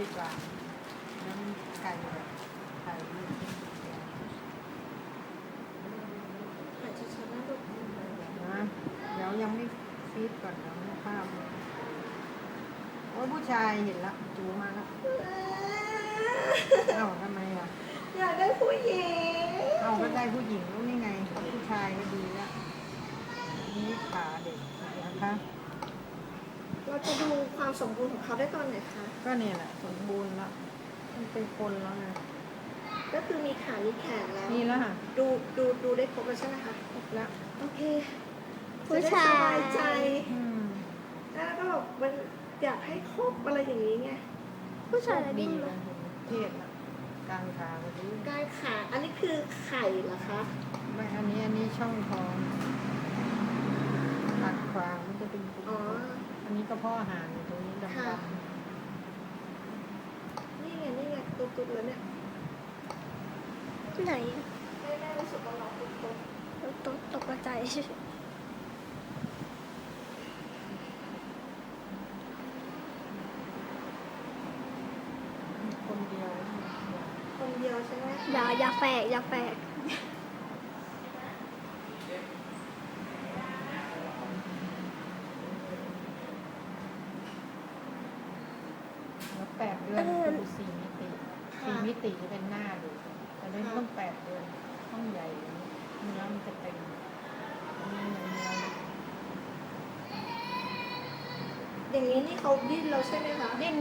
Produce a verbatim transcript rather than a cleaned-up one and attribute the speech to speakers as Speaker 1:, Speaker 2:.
Speaker 1: ดีกว่าน้ำไก่แบบไก่ลูก
Speaker 2: อาจจะชนะลูก
Speaker 1: นะเดี๋ยวยังไม่ฟีดก่อนเดี๋ยวไม่ข้ามโอ้ยผู้ชายเห็นละจูมาแล้วเอ้าทำไมอ่ะ
Speaker 2: อยากได้ผู้หญิง
Speaker 1: เอาก็ได้ผู้หญิงแล้วนี่ไงผู้ชายก็ดีแล้วนี่ขาเด็กนะคะ
Speaker 2: เราจะดูความสมบูรณ์ของเขาได้ตอนไหนคะ
Speaker 1: ก็เนี่ยแหละสมบูรณ์แล้วมันเป็นคนแล้วไง
Speaker 2: ก็คือมีขา มีแขนแล้ว
Speaker 1: นี่แล้วค่ะ
Speaker 2: ดูดูดูได้ครบแล้วใช่ไหมคะ
Speaker 1: ครบแล้ว
Speaker 2: โอเค
Speaker 3: ผู้ชาย
Speaker 2: จะได้สบายใจ
Speaker 1: อืม
Speaker 2: แล้วก็แบบมันอยากให้ครบอะไรอย่างนี้ไง
Speaker 3: ผู้ชายอะไร
Speaker 1: ดี
Speaker 3: ดี
Speaker 1: เลยเทศละกลางขาก็ดี
Speaker 2: กายขาอันนี้คือไข่เหรอคะ
Speaker 1: ไม่อันนี้อันนี้ช่องท้องตัดขวางมันจะเป็นปุ
Speaker 2: อ๋อ
Speaker 1: อันนี้ก็พ่อห่างอยู่ตรงนี้ดำ
Speaker 2: ค่ะ
Speaker 1: ๆ
Speaker 2: นี่ไงนี่ไงตุ๊ดๆแล้วเนี่ย
Speaker 3: ไหน
Speaker 2: แม่แม่รู้สึกว่าเราตุ๊ด
Speaker 3: ตกตกใจ
Speaker 1: คนเดียว
Speaker 2: ๆคนเดียวใช่ไหม
Speaker 3: อย่าอย่าแฝกอย่าแฝก
Speaker 1: แล้วแปดเดือนคือสี่มิติสี่มิติจะเป็นหน้าดูแต่เล่นต้องแปดเดือนต้องใหญ่กว่านี้เนื้อมันจะเต็มอันนี้เนื้อเนื้อ
Speaker 2: อย่างนี้นี่เขาดิ้นเราใช่ไหมคะ
Speaker 1: ดิ้น